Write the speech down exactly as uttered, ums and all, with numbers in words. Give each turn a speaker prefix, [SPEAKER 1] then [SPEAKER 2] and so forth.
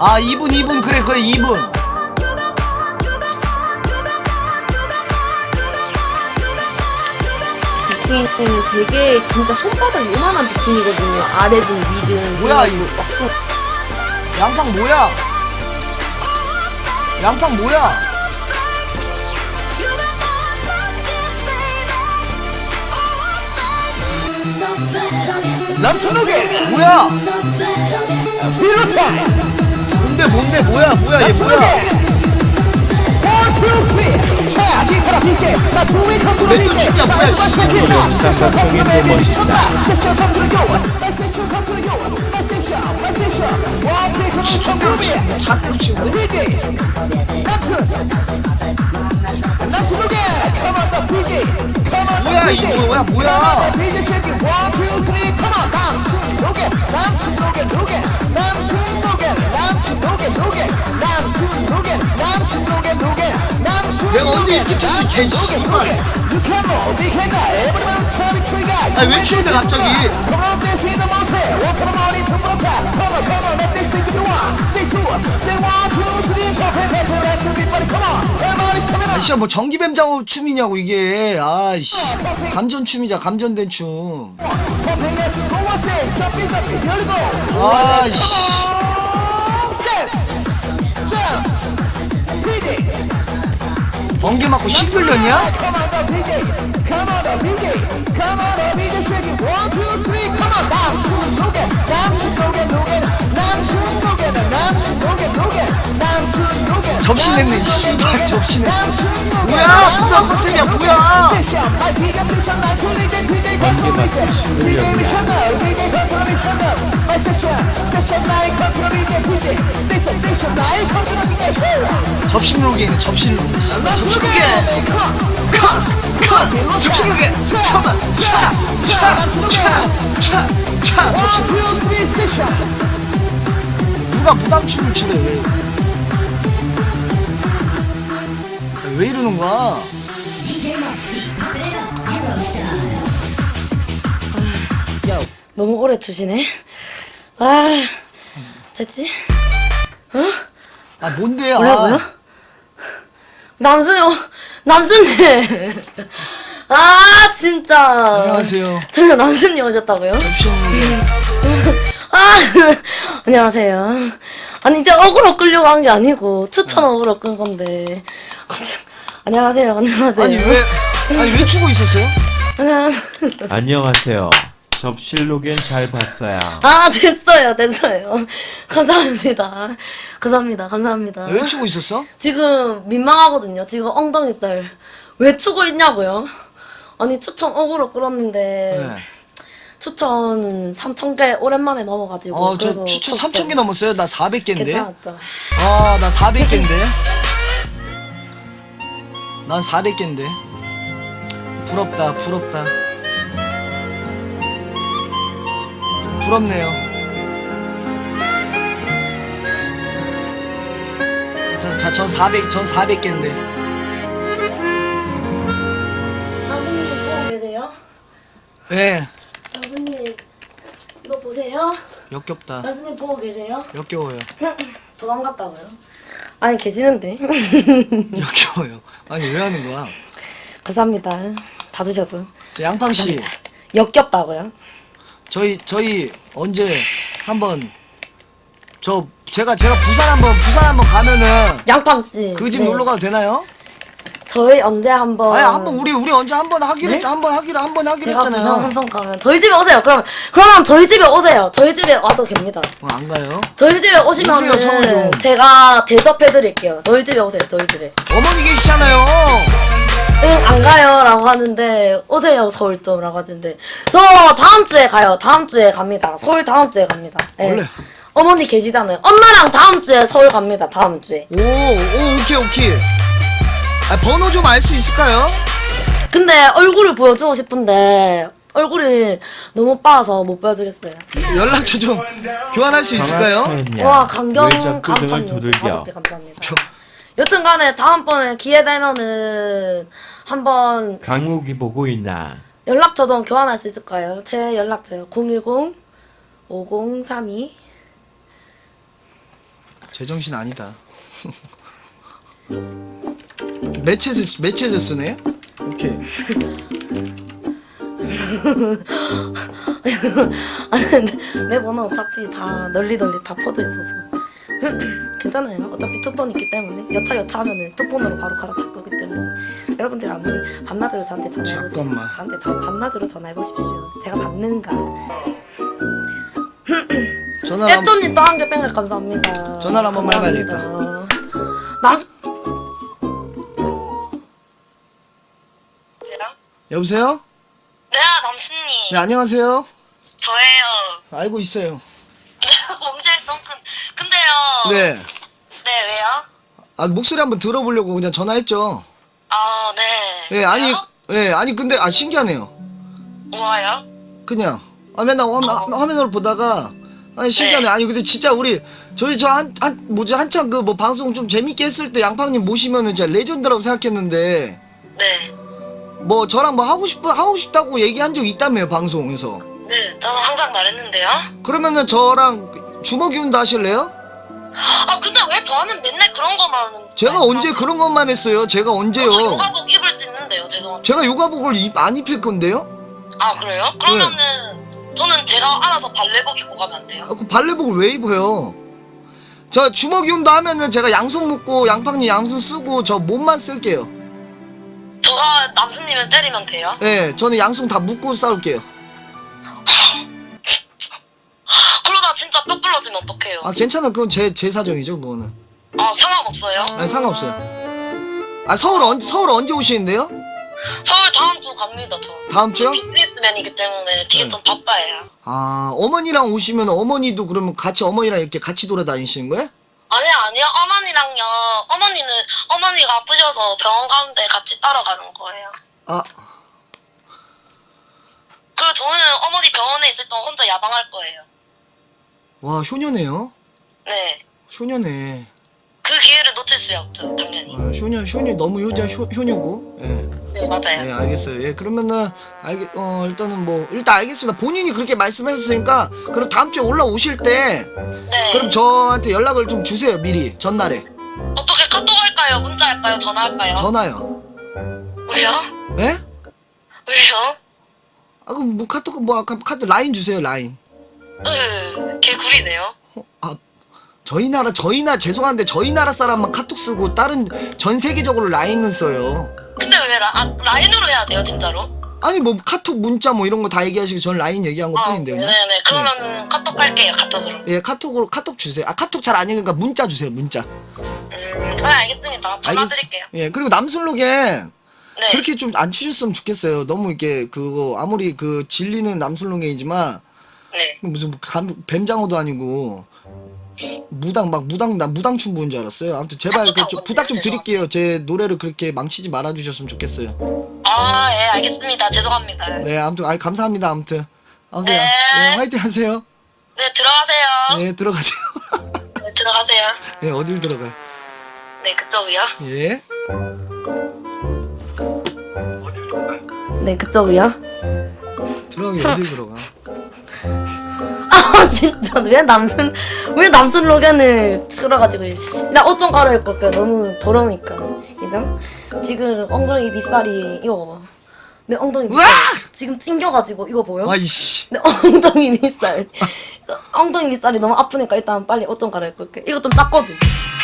[SPEAKER 1] 아 이 분 이 분 그래 그래 이 분.
[SPEAKER 2] 비키니는 되게 진짜 손바닥 요만한 비키니거든요. 아래든 위든.
[SPEAKER 1] 뭐야, 이거.
[SPEAKER 2] 막 손-
[SPEAKER 1] 양팡 뭐야? 양팡 뭐야?
[SPEAKER 3] 남선욱의
[SPEAKER 1] 뭐야?
[SPEAKER 3] 필로타임
[SPEAKER 1] 뭔데 뭔데 뭐야 뭐야 얘 뭐야?
[SPEAKER 3] 원, 투, 쓰리 자, 뒷바라 빈체 나 투웨이 컨트롤
[SPEAKER 1] 왜 또
[SPEAKER 3] 빈체
[SPEAKER 1] 치냐, 뭐야, 씨.
[SPEAKER 4] 삼각형이 더 멋있다.
[SPEAKER 3] 세션 컨트롤 교환 세션 컨트롤 교환 세션 세션 원, 플레이 컨트롤
[SPEAKER 1] 시청대로 치고 잣대로 치고
[SPEAKER 3] 피지 남순 남순욱의 Come on the 피지 Come on
[SPEAKER 1] 뭐야,
[SPEAKER 3] the
[SPEAKER 1] 이거
[SPEAKER 3] 피지
[SPEAKER 1] 뭐야, 뭐야.
[SPEAKER 3] 피지 쉐이키 원, 투, 쓰리 Come on 남순욱의 남순욱의 누게 남순욱의 남순욱의 누게 남순욱의 남순욱의 누게 남순욱의
[SPEAKER 1] 내가 언제 이렇게 쳤어, 개 씨발. 아니, 왜 추운데, 갑자기? 아 씨야 뭐 전기뱀장어 춤이냐고 이게. 아이씨 감전 춤이자 감전된 춤. 아이씨 번개 맞고 싱글년이야? 접신했네 씨발 접신했어. 뭐야 뭐야 컨셉이야 뭐야.
[SPEAKER 4] 번개 맞고 싱글년이야.
[SPEAKER 1] 접신록이네 접신록. 접신록이 칸칸 접신록이 잠깐만 차차차차차 접신록. 누가 무당춤을 추래 왜? 왜 이러는 거야?
[SPEAKER 2] 너무 오래 추시네. 아, 됐지? 어?
[SPEAKER 1] 아 뭔데요?
[SPEAKER 2] 뭐라고요?
[SPEAKER 1] 아,
[SPEAKER 2] 남순이, 오- 남순님. 아, 진짜.
[SPEAKER 1] 안녕하세요.
[SPEAKER 2] 저는 남순님 오셨다고요?
[SPEAKER 1] 접신록이.
[SPEAKER 2] 아, 안녕하세요. 아니, 이제 어그로 끌려고 한 게 아니고, 추천 어그로 끈 건데. 안녕하세요, 안녕하세요.
[SPEAKER 1] 아니 왜 아니 왜 추고 있었어요?
[SPEAKER 2] 안녕.
[SPEAKER 4] 안녕하세요. 접실록엔 잘 봤어요.
[SPEAKER 2] 아, 됐어요, 됐어요. 감사합니다. 감사합니다, 감사합니다.
[SPEAKER 1] 왜 추고 있었어?
[SPEAKER 2] 지금 민망하거든요. 지금 엉덩이 살. 왜 추고 있냐고요? 아니, 추천 어그로 끌었는데,
[SPEAKER 1] 네.
[SPEAKER 2] 추천 삼천 개 오랜만에 넘어가지고.
[SPEAKER 1] 어 저
[SPEAKER 2] 그래서
[SPEAKER 1] 추천
[SPEAKER 2] 쳤어요.
[SPEAKER 1] 삼천 개 넘었어요. 나 사백 개인데.
[SPEAKER 2] 괜찮았죠.
[SPEAKER 1] 아 나 사백 개인데. 난 사백 개인데. 부럽다 부럽다. 부럽네요. 전, 사, 전 사백 전 사백 개인데.
[SPEAKER 2] 남순님 보고 계세요?
[SPEAKER 1] 예.
[SPEAKER 2] 남순님, 이거 보세요.
[SPEAKER 1] 역겹다.
[SPEAKER 2] 남순님 보고 계세요?
[SPEAKER 1] 역겨워요.
[SPEAKER 2] 도망갔다고요? 아니, 계시는데.
[SPEAKER 1] 역겨워요. 아니 왜 하는 거야?
[SPEAKER 2] 감사합니다. 봐주셔서.
[SPEAKER 1] 저 양팡 씨,
[SPEAKER 2] 역겹다고요?
[SPEAKER 1] 저희 저희 언제 한번 저 제가 제가 부산 한번 부산 한번 가면은
[SPEAKER 2] 양팡씨.
[SPEAKER 1] 그 집
[SPEAKER 2] 네.
[SPEAKER 1] 놀러 가도 되나요?
[SPEAKER 2] 저희 언제 한번.
[SPEAKER 1] 아니 한번 우리 우리 언제 한번 하기로
[SPEAKER 2] 네?
[SPEAKER 1] 했 한번 하기로 한번 하기로
[SPEAKER 2] 제가 부산
[SPEAKER 1] 했잖아요.
[SPEAKER 2] 한번 가면 저희 집에 오세요. 그럼 그러면 저희 집에 오세요. 저희 집에 와도 됩니다.
[SPEAKER 1] 어, 안 가요?
[SPEAKER 2] 저희 집에 오시면은
[SPEAKER 1] 오세요, 서울 좀.
[SPEAKER 2] 제가 대접해드릴게요. 저희 집에 오세요. 저희 집에.
[SPEAKER 1] 어머니 계시잖아요.
[SPEAKER 2] 응, 안 가요라고 하는데 오세요 서울 좀라고 하는데 저 다음 주에 가요. 다음 주에 갑니다. 서울 다음 주에 갑니다. 네.
[SPEAKER 1] 원래.
[SPEAKER 2] 어머니 계시잖아요. 엄마랑 다음 주에 서울 갑니다. 다음 주에.
[SPEAKER 1] 오, 오 오케이 오케이. 아, 번호 좀 알 수 있을까요?
[SPEAKER 2] 근데 얼굴을 보여주고 싶은데 얼굴이 너무 빠서 못 보여주겠어요.
[SPEAKER 1] 연락처 좀 교환할 수 있을까요?
[SPEAKER 4] 강화차였냐?
[SPEAKER 2] 와 강경
[SPEAKER 4] 왜 자꾸 등을
[SPEAKER 2] 강판님
[SPEAKER 4] 두들겨?
[SPEAKER 2] 다섯 개 감사합니다. 여튼간에 다음번에 기회 되면은 한번
[SPEAKER 4] 강욱이 보고 있나?
[SPEAKER 2] 연락처 좀 교환할 수 있을까요? 제 연락처요. 공일공 오공삼이
[SPEAKER 1] 제정신 아니다. 매체즈 매체즈 쓰네. 오케이.
[SPEAKER 2] 아니 근데 내 번호 어차피 다 널리 널리 다 퍼져 있어서 괜찮아요. 어차피 투폰 있기 때문에 여차 여차 하면은 투폰으로 바로 갈아탈 거기 때문에 여러분들 아무리 밤낮으로 저한테 전화해보십시오.
[SPEAKER 1] 잠깐만.
[SPEAKER 2] 저한테 저 밤낮으로 전화해보십시오. 제가 받는가.
[SPEAKER 1] 전화를 한,
[SPEAKER 2] 애초님 또 한 개 뺑글 감사합니다.
[SPEAKER 1] 전화를 한 번만
[SPEAKER 2] 감사합니다. 남
[SPEAKER 1] 여보세요?
[SPEAKER 5] 네, 남순님.
[SPEAKER 1] 네, 안녕하세요.
[SPEAKER 5] 저예요.
[SPEAKER 1] 알고 있어요.
[SPEAKER 5] 범죄 덩큰. 근데요.
[SPEAKER 1] 네.
[SPEAKER 5] 네, 왜요?
[SPEAKER 1] 아, 목소리 한번 들어보려고 그냥 전화했죠.
[SPEAKER 5] 아, 네.
[SPEAKER 1] 예, 아니,
[SPEAKER 5] 왜요?
[SPEAKER 1] 예, 아니 근데 아 신기하네요.
[SPEAKER 5] 뭐예요?
[SPEAKER 1] 그냥 아 맨날 화면,
[SPEAKER 5] 어.
[SPEAKER 1] 화면으로 보다가 아니 신기하네.
[SPEAKER 5] 네.
[SPEAKER 1] 아니 근데 진짜 우리 저희 저 한 한 뭐지 한참 그 뭐 방송 좀 재밌게 했을 때 양팡님 모시면은 진짜 레전드라고 생각했는데
[SPEAKER 5] 네.
[SPEAKER 1] 뭐 저랑 뭐 하고 싶어 하고 싶다고 얘기한 적 있다며요 방송에서.
[SPEAKER 5] 네, 저는 항상 말했는데요.
[SPEAKER 1] 그러면은 저랑 주먹이 운다 하실래요?
[SPEAKER 5] 아, 근데 왜 저는 맨날 그런 거만.
[SPEAKER 1] 제가 언제 그런 것만 했어요? 제가 언제요?
[SPEAKER 5] 저 요가복 입을 수 있는데요, 죄송한데.
[SPEAKER 1] 제가 요가복을 입, 안 입힐 건데요?
[SPEAKER 5] 아, 그래요? 그러면은 저는 제가 알아서 발레복 입고 가면 안 돼요?
[SPEAKER 1] 아, 그 발레복을 왜 입어요? 저 주먹이 운다 하면은 제가 양손 묶고 양팡님 양손 쓰고 저 몸만 쓸게요.
[SPEAKER 5] 저가 남순님을 때리면 돼요?
[SPEAKER 1] 예, 저는 양손 다 묶고 싸울게요.
[SPEAKER 5] 그러다 진짜 뼈 부러지면 어떡해요?
[SPEAKER 1] 아, 괜찮아. 그건 제, 제 사정이죠, 그거는.
[SPEAKER 5] 아, 상관없어요?
[SPEAKER 1] 아니, 상관없어요. 아, 서울 언, 서울 언제 오시는데요?
[SPEAKER 5] 서울 다음 주 갑니다, 저.
[SPEAKER 1] 다음 주요?
[SPEAKER 5] 비즈니스맨이기 때문에 지금
[SPEAKER 1] 네.
[SPEAKER 5] 좀 바빠요.
[SPEAKER 1] 아, 어머니랑 오시면 어머니도 그러면 같이 어머니랑 이렇게 같이 돌아다니시는 거예요?
[SPEAKER 5] 아니요, 아니요. 어머니랑요. 어머니는, 어머니가 아프셔서 병원 가는데 같이 따라가는 거예요.
[SPEAKER 1] 아,
[SPEAKER 5] 그리고 저는 어머니 병원에 있을 동안 혼자 야방할 거예요.
[SPEAKER 1] 와, 효녀네요?
[SPEAKER 5] 네.
[SPEAKER 1] 효녀네.
[SPEAKER 5] 그 기회를 놓칠 수 없죠, 당연히.
[SPEAKER 1] 아, 효녀, 효녀, 너무 효자, 효, 효녀고. 예.
[SPEAKER 5] 네, 맞아요.
[SPEAKER 1] 예, 알겠어요. 예, 그러면은, 알겠, 어, 일단은 뭐, 일단 알겠습니다. 본인이 그렇게 말씀하셨으니까, 그럼 다음 주에 올라오실 때,
[SPEAKER 5] 네.
[SPEAKER 1] 그럼 저한테 연락을 좀 주세요, 미리. 전날에.
[SPEAKER 5] 어떻게 카톡 할까요? 문자 할까요? 전화 할까요?
[SPEAKER 1] 전화요.
[SPEAKER 5] 왜요?
[SPEAKER 1] 예?
[SPEAKER 5] 왜요?
[SPEAKER 1] 아, 그럼 뭐 카톡, 뭐, 아까 카드 라인 주세요, 라인.
[SPEAKER 5] 으, 개구리네요.
[SPEAKER 1] 어, 아, 저희 나라, 저희 나, 죄송한데, 저희 나라 사람만 카톡 쓰고, 다른, 전 세계적으로 라인은 써요.
[SPEAKER 5] 근데 왜 라, 아, 라인으로 해야 돼요, 진짜로?
[SPEAKER 1] 아니, 뭐, 카톡, 문자, 뭐, 이런 거 다 얘기하시고, 전 라인 얘기한 것
[SPEAKER 5] 아,
[SPEAKER 1] 뿐인데, 그냥.
[SPEAKER 5] 네네. 그러면은 카톡 할게요, 카톡으로.
[SPEAKER 1] 예, 카톡으로, 카톡 주세요. 아, 카톡 잘 안 읽으니까 문자 주세요, 문자.
[SPEAKER 5] 음, 네, 알겠습니다. 전화
[SPEAKER 1] 알겠-
[SPEAKER 5] 드릴게요.
[SPEAKER 1] 예, 그리고 남순록엔,
[SPEAKER 5] 네.
[SPEAKER 1] 그렇게 좀 안 치셨으면 좋겠어요. 너무 이렇게, 그거, 아무리 그, 진리는 남순록이지만,
[SPEAKER 5] 네.
[SPEAKER 1] 무슨, 감, 뱀장어도 아니고, 무당, 막, 무당, 나 무당춤 부은 줄 알았어요. 아무튼, 제발, 그, 좀, 부탁 좀 드릴게요. 제 노래를 그렇게 망치지 말아주셨으면 좋겠어요.
[SPEAKER 5] 아, 예, 알겠습니다. 죄송합니다.
[SPEAKER 1] 네, 아무튼, 아 감사합니다. 아무튼. 아무튼,
[SPEAKER 5] 네.
[SPEAKER 1] 예, 화이팅 하세요.
[SPEAKER 5] 네, 들어가세요.
[SPEAKER 1] 예, 들어가세요.
[SPEAKER 5] 네, 들어가세요.
[SPEAKER 1] 예, 어딜 들어가요?
[SPEAKER 5] 네, 그쪽이요.
[SPEAKER 1] 예.
[SPEAKER 2] 네 그쪽이요.
[SPEAKER 1] 들어가기 어딜 들어가?
[SPEAKER 2] 아 진짜 왜 남순 왜 남순 로겐을 틀어가지고 씨. 나 옷 좀 갈아입고 올게요. 너무 더러우니까. 이장 지금 엉덩이 밑살이 이거 봐봐. 내 엉덩이 밑살
[SPEAKER 1] 으악!
[SPEAKER 2] 지금 찡겨가지고 이거 보여?
[SPEAKER 1] 아이씨.
[SPEAKER 2] 내 엉덩이 밑살 엉덩이 밑살이 너무 아프니까 일단 빨리 옷 좀 갈아입고 올게. 이거 좀 작거든.